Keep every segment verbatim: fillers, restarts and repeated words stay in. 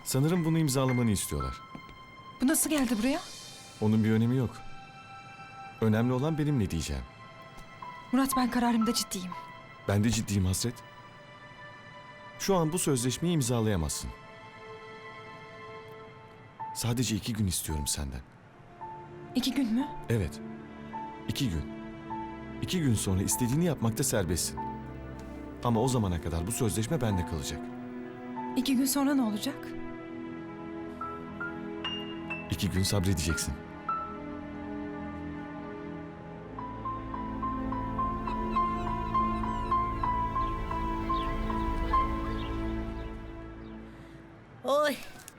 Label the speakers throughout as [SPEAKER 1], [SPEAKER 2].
[SPEAKER 1] Sanırım bunu imzalamanı istiyorlar.
[SPEAKER 2] Bu nasıl geldi buraya?
[SPEAKER 1] Onun bir önemi yok. Önemli olan benim ne diyeceğim.
[SPEAKER 2] Murat, ben kararımda ciddiyim.
[SPEAKER 1] Ben de ciddiyim Hasret. Şu an bu sözleşmeyi imzalayamazsın. Sadece iki gün istiyorum senden.
[SPEAKER 2] İki gün mü?
[SPEAKER 1] Evet. İki gün. İki gün sonra istediğini yapmakta serbestsin. Ama o zamana kadar bu sözleşme bende kalacak.
[SPEAKER 2] İki gün sonra ne olacak?
[SPEAKER 1] İki gün sabredeceksin.
[SPEAKER 3] Oy.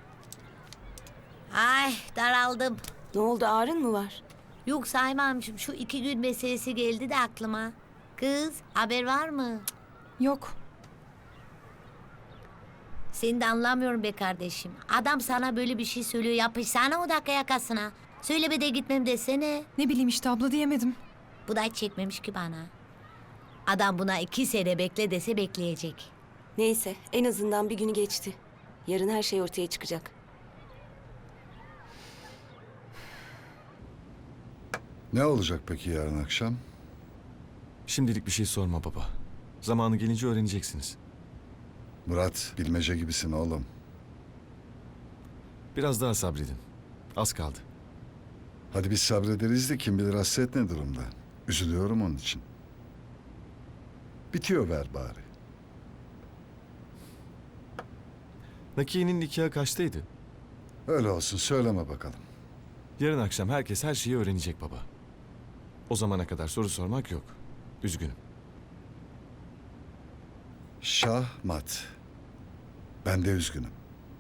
[SPEAKER 3] Ay, daraldım.
[SPEAKER 4] Ne oldu, ağrın mı var?
[SPEAKER 3] Yok Saymamcığım, şu iki gün meselesi geldi de aklıma. Kız, haber var mı?
[SPEAKER 2] Yok.
[SPEAKER 3] Seni de anlamıyorum be kardeşim. Adam sana böyle bir şey söylüyor, yapışsana o dakika yakasına. Söyleme de gitmem desene.
[SPEAKER 2] Ne bileyim işte abla, diyemedim.
[SPEAKER 3] Bu da hiç çekmemiş ki bana. Adam buna iki sene bekle dese bekleyecek.
[SPEAKER 4] Neyse, en azından bir günü geçti. Yarın her şey ortaya çıkacak.
[SPEAKER 5] Ne olacak peki yarın akşam?
[SPEAKER 1] Şimdilik bir şey sorma baba. Zamanı gelince öğreneceksiniz.
[SPEAKER 5] Murat, bilmece gibisin oğlum.
[SPEAKER 1] Biraz daha sabredin. Az kaldı.
[SPEAKER 5] Hadi biz sabrederiz de kim bilir Hasret ne durumda. Üzülüyorum onun için. Bitiyor ver bari.
[SPEAKER 1] Nakiye'nin nikahı kaçtaydı?
[SPEAKER 5] Öyle olsun, söyleme bakalım.
[SPEAKER 1] Yarın akşam herkes her şeyi öğrenecek baba. O zamana kadar soru sormak yok. Üzgünüm.
[SPEAKER 5] Şahmat. Ben de üzgünüm.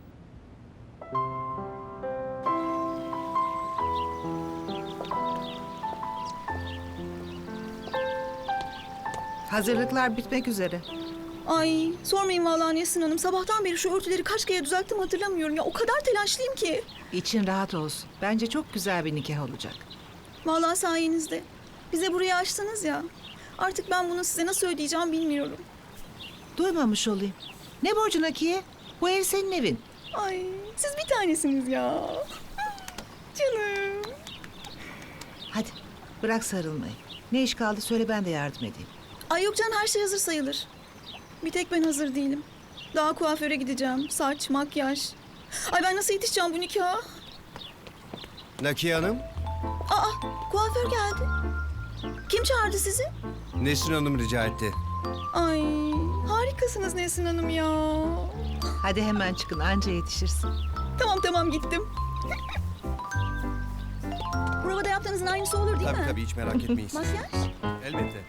[SPEAKER 6] Hazırlıklar bitmek üzere.
[SPEAKER 7] Ay sormayın vallahi Nesrin Hanım. Sabahtan beri şu örtüleri kaç kere düzelttim hatırlamıyorum ya. O kadar telaşlıyım ki.
[SPEAKER 6] İçin rahat olsun. Bence çok güzel bir nikah olacak.
[SPEAKER 7] Vallahi sayenizde. Bize burayı açtınız ya. Artık ben bunu size nasıl ödeyeceğim bilmiyorum.
[SPEAKER 6] Duymamış olayım. Ne borcun Nakiye? Bu ev senin evin.
[SPEAKER 7] Ay siz bir tanesiniz ya. Canım.
[SPEAKER 6] Hadi bırak sarılmayı. Ne iş kaldı söyle, ben de yardım edeyim.
[SPEAKER 7] Ay yok canım, her şey hazır sayılır. Bir tek ben hazır değilim. Daha kuaföre gideceğim. Saç, makyaj. Ay ben nasıl yetişeceğim bu nikaha?
[SPEAKER 8] Nakiye Hanım,
[SPEAKER 7] Aa kuaför geldi. Kim çağırdı sizi?
[SPEAKER 8] Nesrin Hanım rica etti.
[SPEAKER 7] Ay harikasınız Nesrin Hanım ya.
[SPEAKER 6] Hadi hemen çıkın, anca yetişirsin.
[SPEAKER 7] Tamam tamam gittim. Provada yaptığınızın aynısı olur değil
[SPEAKER 8] Tabii
[SPEAKER 7] mi?
[SPEAKER 8] tabii, hiç merak etmeyin siz.
[SPEAKER 7] Makyaj?
[SPEAKER 8] Elbette.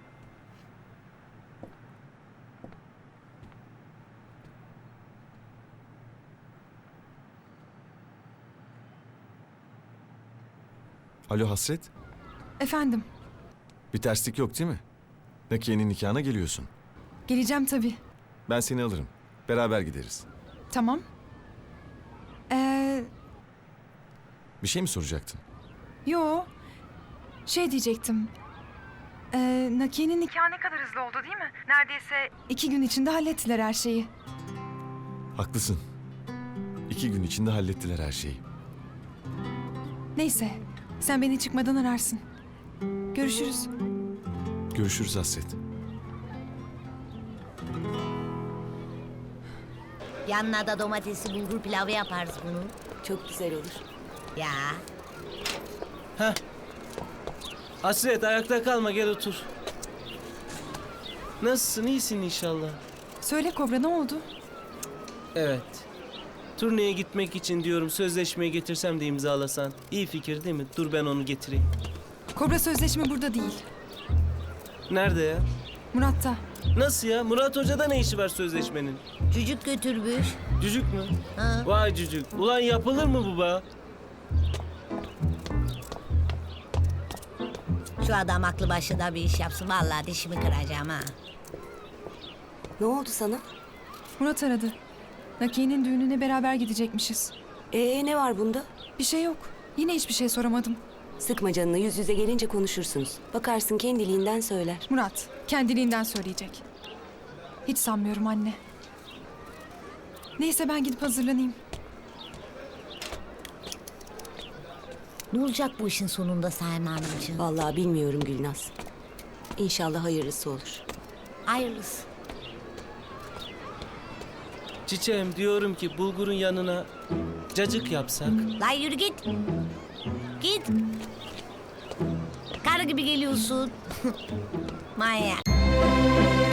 [SPEAKER 1] Alo Hasret.
[SPEAKER 2] Efendim,
[SPEAKER 1] Bir terslik yok değil mi? Nakiye'nin nikahına geliyorsun.
[SPEAKER 2] geleceğim tabii.
[SPEAKER 1] Ben seni alırım. Beraber gideriz.
[SPEAKER 2] Tamam. Ee,
[SPEAKER 1] Bir şey mi soracaktın?
[SPEAKER 2] yo. Şey diyecektim. Ee, Nakiye'nin nikahı ne kadar hızlı oldu değil mi? Neredeyse iki gün içinde hallettiler her şeyi.
[SPEAKER 1] Haklısın. İki gün içinde hallettiler her şeyi.
[SPEAKER 2] Neyse, sen beni çıkmadan ararsın. Görüşürüz.
[SPEAKER 1] Görüşürüz Hasret.
[SPEAKER 3] Yanına da domatesli bulgur pilavı yaparız bunu.
[SPEAKER 4] Çok güzel olur.
[SPEAKER 3] Ya.
[SPEAKER 9] Hasret, ayakta kalma, gel otur. Nasılsın, iyisin inşallah?
[SPEAKER 2] Söyle Kobra, ne oldu?
[SPEAKER 9] Evet. Turneye gitmek için diyorum, sözleşmeyi getirsem de imzalasan. İyi fikir değil mi? Dur ben onu getireyim.
[SPEAKER 2] Kobra, sözleşme burada değil.
[SPEAKER 9] Nerede ya?
[SPEAKER 2] Murat'ta.
[SPEAKER 9] Nasıl ya? Murat Hoca'da ne işi var sözleşmenin?
[SPEAKER 3] Cücük götürmüş.
[SPEAKER 9] Cücük mü?
[SPEAKER 3] Ha.
[SPEAKER 9] Vay cücük. Ulan yapılır mı bu be?
[SPEAKER 3] Şu adam aklı başında bir iş yapsın. Vallahi dişimi kıracağım ha.
[SPEAKER 4] Ne oldu sana?
[SPEAKER 2] Murat aradı. Nakiye'nin düğününe beraber gidecekmişiz.
[SPEAKER 4] Ee ne var bunda?
[SPEAKER 2] Bir şey yok. Yine hiçbir şey soramadım.
[SPEAKER 4] Sıkma canını, yüz yüze gelince konuşursunuz. Bakarsın kendiliğinden söyler.
[SPEAKER 2] Murat kendiliğinden söyleyecek. Hiç sanmıyorum anne. Neyse ben gidip hazırlanayım.
[SPEAKER 3] Ne olacak bu işin sonunda Saime Hanımcığım?
[SPEAKER 4] Vallahi bilmiyorum Gülnaz. İnşallah hayırlısı olur.
[SPEAKER 3] Hayırlısı.
[SPEAKER 9] Çiçeğim diyorum ki bulgurun yanına cacık yapsak.
[SPEAKER 3] Lan yürü git. Git. Karı gibi geliyorsun. Manyak.